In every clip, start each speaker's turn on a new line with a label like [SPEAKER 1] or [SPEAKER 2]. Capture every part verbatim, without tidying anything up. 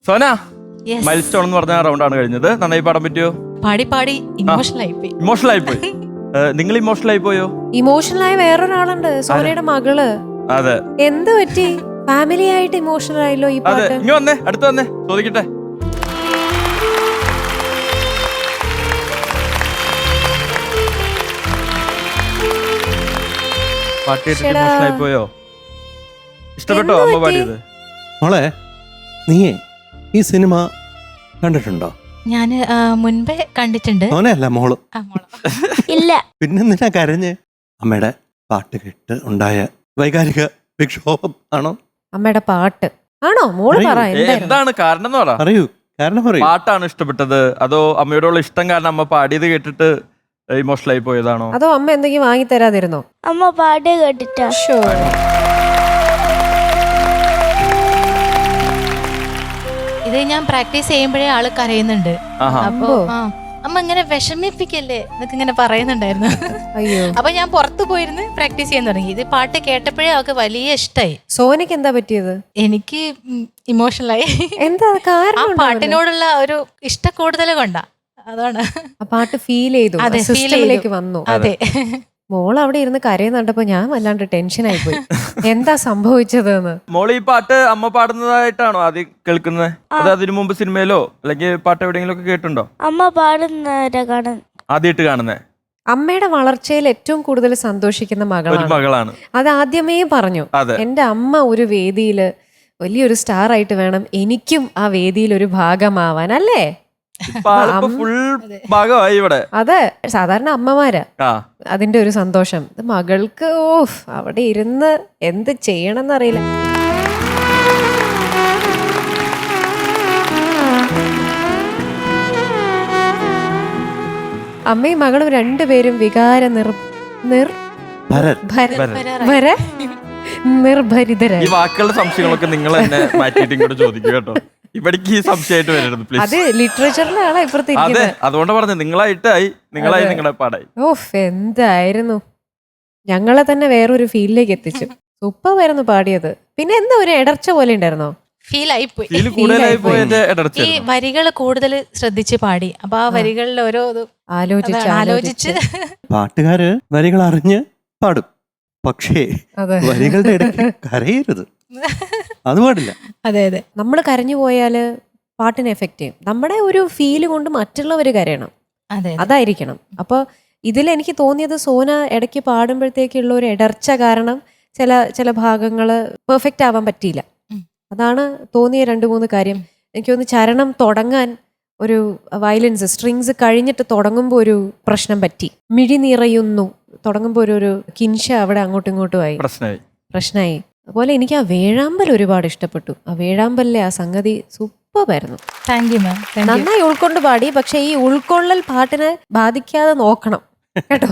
[SPEAKER 1] Sona,
[SPEAKER 2] Yes.
[SPEAKER 1] Mile stone എന്ന് പറഞ്ഞ റൗണ്ടാണ് കഴിഞ്ഞത്. നന്നായി പാടാൻ പറ്റിയോ?
[SPEAKER 2] പാടി പാടി ഇമോഷണൽ ആയി പോയി.
[SPEAKER 1] ഇമോഷണൽ ആയി പോയി. നിങ്ങൾ ഇമോഷണൽ ആയി പോയോ?
[SPEAKER 3] ഇമോഷണൽ ആയ വേറൊരാളുണ്ട്, സോനയുടെ മകള്.
[SPEAKER 1] അതെ.
[SPEAKER 3] എന്ത് പറ്റി? ഫാമിലി ആയിട്ട് ഇമോഷണൽ ആയല്ലോ ഈ
[SPEAKER 1] അതെ,
[SPEAKER 3] പാട്ട്.
[SPEAKER 1] ഇങ്ങ് വന്നേ, അടുത്ത് വന്നേ, ചോദിക്കട്ടെ. പാട്ട് കേട്ടിട്ട്
[SPEAKER 3] ശ്ശെടാ.
[SPEAKER 1] ഇമോഷണൽ ആയി പോയോ? ഇഷ്ടപ്പെട്ടോ
[SPEAKER 3] എന്ത്
[SPEAKER 1] അമ്മ
[SPEAKER 3] പറ്റി?
[SPEAKER 1] പാടിയത്?
[SPEAKER 4] മോളെ, നീയേ ഈ സിനിമ കണ്ടിട്ടുണ്ടോ?
[SPEAKER 2] ഞാന് ആ, മുൻപേ കണ്ടിട്ടുണ്ട്.
[SPEAKER 4] മോനെയല്ല, മോള്.
[SPEAKER 2] ആ, മോളോ?
[SPEAKER 5] ഇല്ല.
[SPEAKER 4] പിന്നെന്തിനാ കരഞ്ഞ്? അമ്മയുടെ പാട്ട് കേട്ട് ഉണ്ടായ വൈകാരിക വിക്ഷോഭം ആണോ?
[SPEAKER 3] അമ്മയുടെ പാട്ട് ആണോ? മോള് പറ,
[SPEAKER 1] ഏ,
[SPEAKER 3] എന്തായിരുന്നു?
[SPEAKER 1] എന്താണ് കാരണം എന്ന് പറ.
[SPEAKER 4] അറിയൂ, കാരണം പറയൂ.
[SPEAKER 1] പാട്ടാണ് ഇഷ്ടപ്പെട്ടത് അതോ അമ്മയോടുള്ള ഇഷ്ടം കാരണം അമ്മ പാടിയത് കേട്ടിട്ട് ഇമോഷണൽ ആയി പോയതാണോ?
[SPEAKER 3] അതോ അമ്മ എന്തെങ്കിലും വാങ്ങി തരാതിരുന്നോ?
[SPEAKER 5] അമ്മ പാട്ട് കേട്ടിട്ടാ.
[SPEAKER 3] ഷോ.
[SPEAKER 2] ഇത് ഞാൻ പ്രാക്ടീസ് ചെയ്യുമ്പോഴേ ആള് കരയുന്നുണ്ട്.
[SPEAKER 1] ആഹാ.
[SPEAKER 2] അപ്പൊ ആ, അമ്മ ഇങ്ങനെ വിഷമിപ്പിക്കല്ലേ എന്നൊക്കെ ഇങ്ങനെ പറയുന്നുണ്ടായിരുന്നു.
[SPEAKER 3] അയ്യോ,
[SPEAKER 2] അപ്പൊ ഞാൻ പുറത്തു പോയിരുന്ന് പ്രാക്ടീസ് ചെയ്യാൻ തുടങ്ങി. ഇത് പാട്ട് കേട്ടപ്പോഴേ അവൾക്ക് വലിയ ഇഷ്ടമായി.
[SPEAKER 3] സോനയ്ക്ക് എന്താ പറ്റിയത്?
[SPEAKER 2] എനിക്ക് ഇമോഷണലായി.
[SPEAKER 3] എന്താ
[SPEAKER 2] ആ
[SPEAKER 3] കാരണം? ഉണ്ടാവില്ല.
[SPEAKER 2] പാട്ടിനോടുള്ള ഒരു ഇഷ്ട കൂടുതൽ കൊണ്ടാ, അതാണ്.
[SPEAKER 3] ആ പാട്ട് ഫീൽ ചെയ്തു,
[SPEAKER 2] അതെ, feel
[SPEAKER 3] സിസ്റ്റമിലേക്ക്
[SPEAKER 2] ചെയ്തു.
[SPEAKER 3] വന്നു.
[SPEAKER 2] അതെ.
[SPEAKER 3] മോൾ അവിടെ ഇരുന്ന് കരയുന്നുണ്ടപ്പോ ഞാൻ വല്ലാണ്ട് ടെൻഷൻ ആയി പോയി. എന്താ സംഭവിച്ചതെന്ന്.
[SPEAKER 1] മോള് ഈ പാട്ട് അമ്മ പാടുന്നതായിട്ടാണോ ആദ്യം കേൾക്കുന്നത്? അത് അതിനു മുമ്പ് സിനിമയിലോ അല്ലെങ്കിൽ പാട്ട് എവിടെയെങ്കിലും ഒക്കെ കേട്ടുണ്ടോ?
[SPEAKER 5] അമ്മ പാടുന്നവരെ കാണും.
[SPEAKER 1] ആദ്യമായിട്ട് കാണുന്നേ?
[SPEAKER 3] അമ്മയുടെ വളർച്ചയിൽ ഏറ്റവും കൂടുതൽ സന്തോഷിക്കുന്ന
[SPEAKER 1] ഒരു
[SPEAKER 3] മകളാണ്.
[SPEAKER 1] മകളാണ്.
[SPEAKER 3] അത് ആദ്യമേ പറഞ്ഞു.
[SPEAKER 1] അതെ.
[SPEAKER 3] എന്റെ അമ്മ ഒരു വേദിയില് വലിയൊരു സ്റ്റാർ ആയിട്ട് വേണം എനിക്കും ആ വേദിയിൽ ഒരു ഭാഗമാവാൻ, അല്ലേ?
[SPEAKER 1] ഫുൾ ഭാഗമായി ഇവിടെ.
[SPEAKER 3] അതെ, സാധാരണ അമ്മമാരാ
[SPEAKER 1] ആ,
[SPEAKER 3] അതിന്റെ ഒരു സന്തോഷം. ഇത് മകൾക്ക് ഓഫ് അവിടെ ഇരുന്ന് എന്ത് ചെയ്യണമെന്നറിയില്ല. അമ്മയും മകളും രണ്ടുപേരും വികാര നിർ നിർ
[SPEAKER 4] ഭരത്.
[SPEAKER 3] ഭര-
[SPEAKER 1] ഭരത്.
[SPEAKER 3] ഭര-
[SPEAKER 1] ഈ
[SPEAKER 3] നിർഭരിതരായി.
[SPEAKER 1] വാക്കുകളുടെ സംശയങ്ങളൊക്കെ നിങ്ങൾ തന്നെ മാറ്റിയിട്ട് ഇങ്ങോട്ട് ചോദിക്കുക കേട്ടോ. ഇവിടേക്ക് ഈ സംശയമായിട്ട് വരരുത്
[SPEAKER 3] അത്
[SPEAKER 1] പ്ലീസ്.
[SPEAKER 3] ലിറ്ററേച്ചറിലാണ് ഇപ്പുറത്ത്
[SPEAKER 1] അതെ,
[SPEAKER 3] ഇരിക്കുന്നത്.
[SPEAKER 1] അതുകൊണ്ട് പറഞ്ഞു നിങ്ങളായിട്ടായി, നിങ്ങളായി,
[SPEAKER 3] അതെ.
[SPEAKER 1] നിങ്ങളുടെ പാടായി.
[SPEAKER 3] ഓഫ് എന്തായിരുന്നു, ഞങ്ങളെ തന്നെ വേറൊരു ഫീലിലേക്ക് എത്തിച്ചു. സൂപ്പറായിരുന്നു പാടിയത്. പിന്നെ എന്താ ഒരു ഇടർച്ച പോലെ ഉണ്ടായിരുന്നോ?
[SPEAKER 2] ഫീൽ ആയി പോയി.
[SPEAKER 1] ഇതിൽ കൂടുതലായി
[SPEAKER 3] പോയി.
[SPEAKER 1] പോയതിന്റെ
[SPEAKER 2] ഈ
[SPEAKER 1] ഇടർച്ച.
[SPEAKER 2] വരികൾ കൂടുതൽ ശ്രദ്ധിച്ച് പാടി. അപ്പൊ ആ വരികളിൽ ഓരോ ഇത്
[SPEAKER 3] ആലോചിച്ച്
[SPEAKER 2] അതാണ് ആലോചിച്ച്
[SPEAKER 4] പാട്ടുകാര് വരികൾ അറിഞ്ഞ് പാടും, പക്ഷേ
[SPEAKER 3] അതെ,
[SPEAKER 4] വരികളുടെ ഇടയ്ക്ക് കരയരുത്. അത് പാടില്ല.
[SPEAKER 2] അതെ അതെ
[SPEAKER 3] നമ്മൾ കരഞ്ഞു പോയാല് പാട്ടിനെ എഫക്ട് ചെയ്യും. നമ്മുടെ ഒരു ഫീല് കൊണ്ട് മറ്റുള്ളവർ കരയണം,
[SPEAKER 2] അതെ
[SPEAKER 3] അതായിരിക്കണം. അപ്പൊ ഇതിൽ എനിക്ക് തോന്നിയത് സോന ഇടയ്ക്ക് പാടുമ്പോഴത്തേക്കുള്ള ഒരു ഇടർച്ച കാരണം ചില ചില ഭാഗങ്ങള് പെർഫെക്റ്റ് ആവാൻ പറ്റിയില്ല.
[SPEAKER 2] ഉം.
[SPEAKER 3] അതാണ് തോന്നിയ രണ്ട് മൂന്ന് കാര്യം. എനിക്ക് തോന്നുന്നു ചരണം തുടങ്ങാൻ ഒരു വയലൻസ് സ്ട്രിങ്സ് കഴിഞ്ഞിട്ട് തുടങ്ങുമ്പോൾ ഒരു പ്രശ്നം പറ്റി. മിഴി നിറയുന്നു തുടങ്ങുമ്പോൾ ഒരു ഒരു കിൻഷ അവിടെ അങ്ങോട്ടും ഇങ്ങോട്ടും ആയി,
[SPEAKER 1] പ്രശ്നമായി.
[SPEAKER 3] പ്രശ്നമായി. അതുപോലെ എനിക്ക് ആ വേഴാമ്പൽ ഒരുപാട് ഇഷ്ടപ്പെട്ടു. ആ വേഴാമ്പലിലെ ആ സംഗതി സൂപ്പറായിരുന്നു.
[SPEAKER 2] Thank you ma'am. Thank you.
[SPEAKER 3] നന്നായി ഉൾക്കൊണ്ട് പാടി. പക്ഷെ ഈ ഉൾക്കൊള്ളൽ പാട്ടിനെ ബാധിക്കാതെ നോക്കണം കേട്ടോ.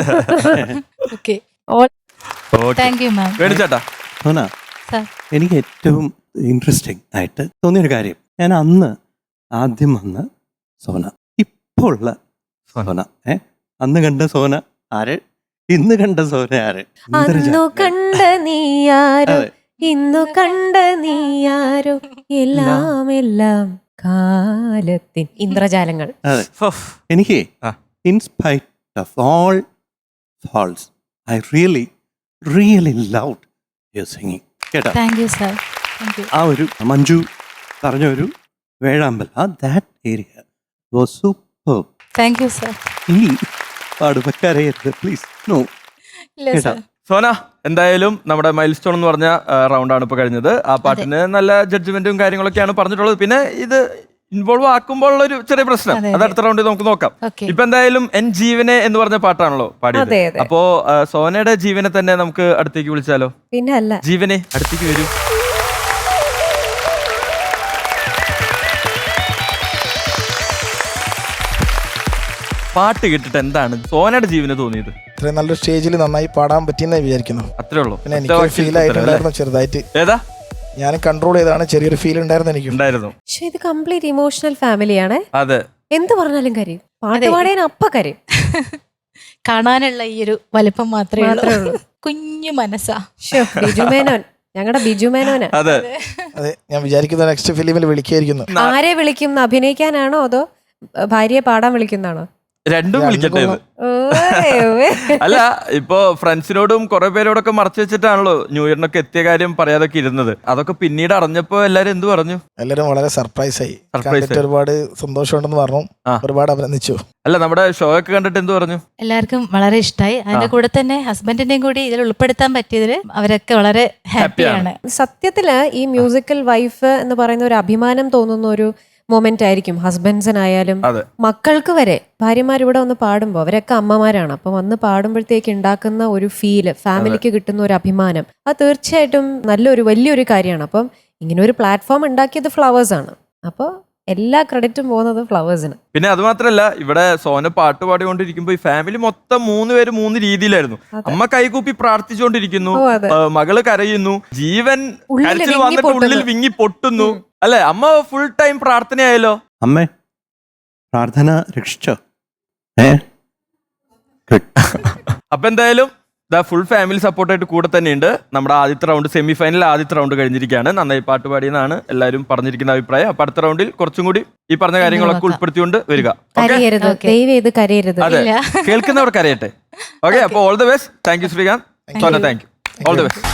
[SPEAKER 2] Okay,
[SPEAKER 1] okay.
[SPEAKER 2] Thank you ma'am.
[SPEAKER 1] വേണിച്ചേട്ടാ,
[SPEAKER 4] സോന,
[SPEAKER 2] സാർ.
[SPEAKER 4] എനിക്ക് ഏറ്റവും ഇൻട്രസ്റ്റിംഗ് ആയിട്ട് തോന്നിയൊരു കാര്യം, ഞാൻ അന്ന് ആദ്യം വന്ന സോന, ഇപ്പോൾ ഉള്ള സോന, ഏ അന്ന് കണ്ട സോന ആര്, ഇന്ന് കണ്ട സോന ആര്?
[SPEAKER 3] അന്നു കണ്ട നീയാരോ,
[SPEAKER 4] അതെ.
[SPEAKER 3] ഇന്നു കണ്ട നീയാരോ, എല്ലാം എല്ലാം കാലത്തിൻ ഇന്ദ്രജാലങ്ങൾ.
[SPEAKER 4] അതെ,
[SPEAKER 1] ഓഫ്.
[SPEAKER 4] എനിക്ക്
[SPEAKER 1] ആ.
[SPEAKER 4] In spite of all faults I really really loved your singing. കേട്ടോ,
[SPEAKER 2] thank you sir. Thank you.
[SPEAKER 4] ആ ഒരു മഞ്ജു പറഞ്ഞ ഒരു വേഴാമ്പൽ, ആ that area was super.
[SPEAKER 2] Thank you sir.
[SPEAKER 4] ഇനി പാടുമ്പോൾ കരയരുത് പ്ലീസ്. നോ.
[SPEAKER 2] ഇല്ല
[SPEAKER 4] കേട്ടോ.
[SPEAKER 2] സാർ.
[SPEAKER 1] സോന, എന്തായാലും നമ്മുടെ മൈൽ സ്റ്റോൺ എന്ന് പറഞ്ഞ റൗണ്ടാണ് ഇപ്പൊ കഴിഞ്ഞത്. ആ പാട്ടിന് നല്ല ജഡ്ജ്മെന്റും കാര്യങ്ങളൊക്കെയാണ് പറഞ്ഞിട്ടുള്ളത്. പിന്നെ ഇത് ഇൻവോൾവ് ആക്കുമ്പോൾ ഉള്ള ഒരു ചെറിയ പ്രശ്നം,
[SPEAKER 2] അതെ,
[SPEAKER 1] അത്
[SPEAKER 2] അതെ.
[SPEAKER 1] അടുത്ത റൗണ്ടിൽ നമുക്ക് നോക്കാം.
[SPEAKER 2] ഓക്കെ.
[SPEAKER 1] ഇപ്പൊ എന്തായാലും എൻ ജീവനെ എന്ന് പറഞ്ഞ പാട്ടാണല്ലോ പാടിയത്.
[SPEAKER 3] അതെ, അതെ.
[SPEAKER 1] അപ്പോ ആ, സോനയുടെ ജീവനെ തന്നെ നമുക്ക് അടുത്തേക്ക് വിളിച്ചാലോ?
[SPEAKER 3] പിന്നെ അല്ല,
[SPEAKER 1] ജീവനെ അടുത്തേക്ക് വരൂ. പാട്ട് കേട്ടിട്ട് എന്താണ് സോനയുടെ ജീവന് തോന്നിയത്?
[SPEAKER 6] ഇത്രയും നല്ലൊരു സ്റ്റേജിൽ നന്നായി പാടാൻ പറ്റിയെന്ന് വിചാരിക്കുന്നു.
[SPEAKER 1] അത്രേ ഉള്ളൂ.
[SPEAKER 6] പിന്നെ എനിക്ക് ഫീൽ ആയിട്ടുണ്ടായിരുന്നു ചെറുതായിട്ട്.
[SPEAKER 1] ഏതാ
[SPEAKER 6] ഞാൻ കൺട്രോൾ ചെയ്താണ്, ചെറിയൊരു ഫീൽ ഉണ്ടായിരുന്നു എനിക്ക്.
[SPEAKER 1] ഉണ്ടായിരുന്നു.
[SPEAKER 3] പക്ഷെ ഇത് കംപ്ലീറ്റ് ഇമോഷണൽ ഫാമിലിയാണ്.
[SPEAKER 1] അതെ,
[SPEAKER 3] എന്ത് പറഞ്ഞാലും കരയും. പാട്ട്
[SPEAKER 2] അതെ.
[SPEAKER 3] പാടാൻ അപ്പ കരയും.
[SPEAKER 2] കാണാനുള്ള ഈ ഒരു വലിപ്പം മാത്രമേ
[SPEAKER 3] മാത്രമേ
[SPEAKER 2] ഉള്ളൂ.
[SPEAKER 3] ഉള്ളൂ.
[SPEAKER 2] കുഞ്ഞു മനസ്സാ.
[SPEAKER 3] ശ്ശോ, ബിജു മേനോൻ ഞങ്ങളുടെ ബിജു മേനോന.
[SPEAKER 1] അതെ
[SPEAKER 6] അതെ, ഞാൻ വിചാരിക്കുന്ന നെക്സ്റ്റ് ഫിലിമിൽ വിളിക്കായിരിക്കുന്നു.
[SPEAKER 3] ആരെ വിളിക്കും? അഭിനയിക്കാനാണോ അതോ ഭാര്യയെ പാടാൻ വിളിക്കുന്നതാണോ?
[SPEAKER 1] രണ്ടും വിളിക്കട്ടെ ഇത്.
[SPEAKER 3] ഓയ് ഓയ്.
[SPEAKER 1] അല്ല ഇപ്പൊ ഫ്രണ്ട്സിനോടും കുറെ പേരോടൊക്കെ മറച്ചു വെച്ചിട്ടാണല്ലോ ന്യൂ ഇയറിനൊക്കെ എത്തിയ കാര്യം പറയാതൊക്കെ ഇരുന്നത്. അതൊക്കെ പിന്നീട് അറിഞ്ഞപ്പോ എല്ലാരും എന്ത് പറഞ്ഞു?
[SPEAKER 6] എല്ലാവരും വളരെ സർപ്രൈസ് ആയി.
[SPEAKER 1] Surprise
[SPEAKER 6] കണ്ടിട്ട്
[SPEAKER 1] ആയി.
[SPEAKER 6] ഒരുപാട് സന്തോഷമുണ്ടെന്ന് പറഞ്ഞു.
[SPEAKER 1] ആ.
[SPEAKER 6] ഒരുപാട് അഭിനന്ദിച്ചു.
[SPEAKER 1] അല്ല നമ്മുടെ ഷോ ഒക്കെ കണ്ടിട്ട് എന്ത് പറഞ്ഞു?
[SPEAKER 2] എല്ലാവർക്കും വളരെ ഇഷ്ടമായി. അതിന്റെ കൂടെ തന്നെ ഹസ്ബൻഡിന്റെയും കൂടി ഇതിൽ ഉൾപ്പെടുത്താൻ പറ്റിയതിൽ അവരൊക്കെ വളരെ ഹാപ്പിയാണ്.
[SPEAKER 3] സത്യത്തില് ഈ മ്യൂസിക്കൽ വൈഫ് എന്ന് പറയുന്ന ഒരു അഭിമാനം തോന്നുന്ന ഒരു മൊമെന്റ് ആയിരിക്കും ഹസ്ബൻഡ്സിനായാലും
[SPEAKER 1] അതെ.
[SPEAKER 3] മക്കൾക്ക് വരെ. ഭാര്യമാർ ഇവിടെ വന്ന് പാടുമ്പോൾ അവരൊക്കെ അമ്മമാരാണ്. അപ്പൊ വന്ന് പാടുമ്പോഴത്തേക്ക് ഉണ്ടാക്കുന്ന ഒരു ഫീല്, ഫാമിലിക്ക് കിട്ടുന്ന ഒരു അഭിമാനം, അത് തീർച്ചയായിട്ടും നല്ലൊരു വലിയൊരു കാര്യമാണ്. അപ്പം ഇങ്ങനെ ഒരു പ്ലാറ്റ്ഫോം ഉണ്ടാക്കിയത് ഫ്ലവേഴ്സ് ആണ്. അപ്പോൾ എല്ലാ ക്രെഡിറ്റും പോകുന്നത് ഫ്ലവേഴ്സിന്.
[SPEAKER 1] പിന്നെ അത് മാത്രല്ല ഇവിടെ സോന പാട്ട് പാടിക്കൊണ്ടിരിക്കുമ്പോ ഈ ഫാമിലി മൊത്തം മൂന്ന് പേര് മൂന്ന് രീതിയിലായിരുന്നു. അമ്മ കൈകൂപ്പി പ്രാർത്ഥിച്ചുകൊണ്ടിരിക്കുന്നു,
[SPEAKER 3] ഓ, അതെ.
[SPEAKER 1] ആ, മകള് കരയുന്നു, ജീവൻ
[SPEAKER 3] ഉള്ളില്
[SPEAKER 1] കരച്ചിൽ
[SPEAKER 3] വിങ്ങി
[SPEAKER 1] വന്നിട്ട് ഉള്ളിൽ
[SPEAKER 3] പൊട്ടുന്നു.
[SPEAKER 1] വിങ്ങി പൊട്ടുന്നു. അല്ലെ അമ്മ ഫുൾ ടൈം പ്രാർത്ഥനയായല്ലോ.
[SPEAKER 4] അമ്മേ പ്രാർത്ഥന രക്ഷിച്ചോ? ഏ
[SPEAKER 1] അപ്പൊ എന്തായാലും ദ ഫുൾ ഫാമിലി സപ്പോർട്ടായിട്ട് കൂടെ തന്നെയുണ്ട്. നമ്മുടെ ആദ്യത്തെ റൗണ്ട് സെമി ഫൈനൽ ആദ്യത്തെ റൗണ്ട് കഴിഞ്ഞിരിക്കുകയാണ്. നന്നായി പാട്ട് പാടിയെന്നാണ് എല്ലാവരും പറഞ്ഞിരിക്കുന്ന അഭിപ്രായം. അപ്പൊ അടുത്ത റൗണ്ടിൽ കുറച്ചും കൂടി ഈ പറഞ്ഞ കാര്യങ്ങളൊക്കെ ഉൾപ്പെടുത്തിക്കൊണ്ട് വരിക. Okay?
[SPEAKER 3] കരയരുത്,
[SPEAKER 2] Okay.
[SPEAKER 3] ദയവ് ചെയ്ത് കരയരുത്.
[SPEAKER 1] അതെ,
[SPEAKER 2] ഇല്ല.
[SPEAKER 1] കേൾക്കുന്നവർക്ക് അറിയട്ടെ. ഓക്കെ, അപ്പൊ all the best. Thank you Sreekanth. Sona, thank you. All the best.